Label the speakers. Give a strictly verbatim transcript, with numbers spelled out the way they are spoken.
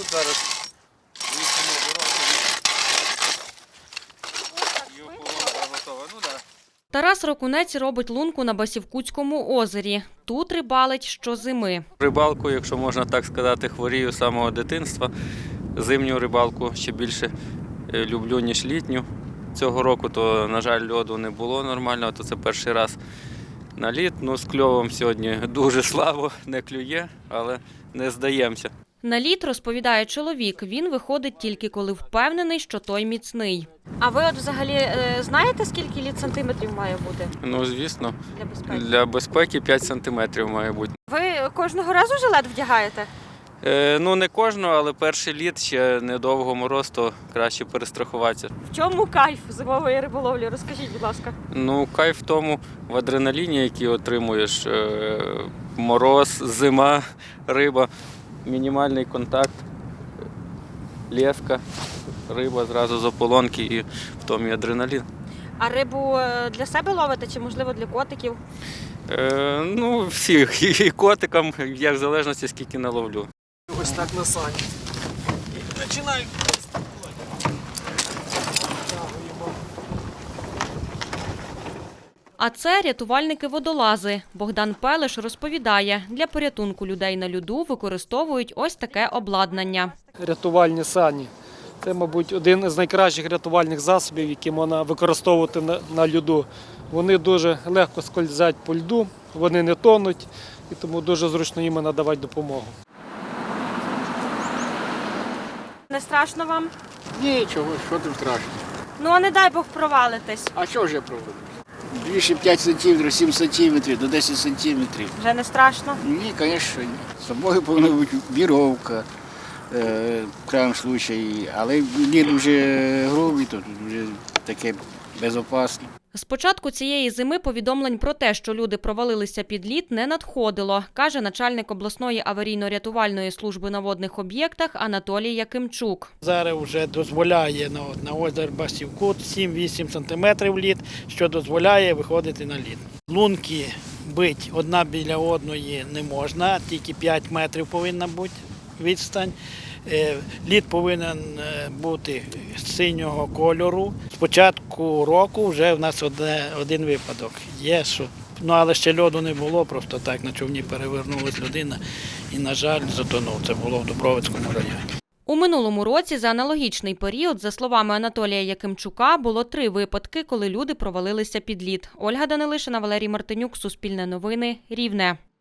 Speaker 1: тут зараз вісимо дорогу. І ополонка готова. Ну так.
Speaker 2: Тарас Рокунець робить лунку на Басівкутському озері. Тут рибалить щозими.
Speaker 1: Рибалку, якщо можна так сказати, хворію з самого дитинства. Зимню рибалку ще більше люблю, ніж літню. Цього року, то, на жаль, льоду не було нормального, то це перший раз на лід. Ну, з кльовом сьогодні дуже слабо, не клює, але не здаємося.
Speaker 2: На лід, розповідає чоловік, він виходить тільки коли впевнений, що той міцний.
Speaker 3: А ви от взагалі е, знаєте, скільки лід сантиметрів має бути
Speaker 1: Ну, звісно,
Speaker 3: для безпеки?
Speaker 1: для безпеки п'ять сантиметрів має бути.
Speaker 3: Ви кожного разу жилет вдягаєте?
Speaker 1: Е, ну, не кожного, але перший лід, ще недовго мороз, то краще перестрахуватися.
Speaker 3: В чому кайф зимової риболовлі? Розкажіть, будь ласка.
Speaker 1: Ну, кайф в тому, в адреналіні, який отримуєш, е, мороз, зима, риба, мінімальний контакт, леска, риба зразу з ополонки і в тому і адреналін.
Speaker 3: А рибу е, для себе ловите чи, можливо, для котиків?
Speaker 1: Е, ну, всіх, і котикам, я в залежності, скільки наловлю.
Speaker 4: Ось так на сані. І починаємо.
Speaker 2: А це рятувальники-водолази. Богдан Пелеш розповідає, для порятунку людей на льоду використовують ось таке обладнання.
Speaker 4: Рятувальні сані. Це, мабуть, один з найкращих рятувальних засобів, які можна використовувати на, на льоду. Вони дуже легко скользять по льду, вони не тонуть, і тому дуже зручно їм надавати допомогу.
Speaker 3: Не страшно вам?
Speaker 5: Нічого, що там страшно.
Speaker 3: Ну, а не дай Бог провалитись.
Speaker 5: А що ж я проведу? Більше п'ять сантиметрів, сім сантиметрів, до десять сантиметрів.
Speaker 3: Вже не страшно?
Speaker 5: Ні, звісно, ні. З собою повинна бути віровка, е, в крайньому випадку, але лід вже грубий, то вже таке безпечно.
Speaker 2: З початку цієї зими повідомлень про те, що люди провалилися під лід, не надходило, каже начальник обласної аварійно-рятувальної служби на водних об'єктах Анатолій Якимчук.
Speaker 6: Зараз вже дозволяє на, на озер Басівкут сім-вісім сантиметрів лід, що дозволяє виходити на лід. Лунки бити одна біля одної не можна, тільки п'ять метрів повинна бути відстань. Лід повинен бути синього кольору. З початку року вже в нас одне, один випадок є, що, ну, але ще льоду не було, просто так на човні перевернулась людина і, на жаль, затонув. Це було в Дубровицькому районі.
Speaker 2: У минулому році за аналогічний період, за словами Анатолія Якимчука, було три випадки, коли люди провалилися під лід. Ольга Данилишина, Валерій Мартинюк, Суспільне новини, Рівне.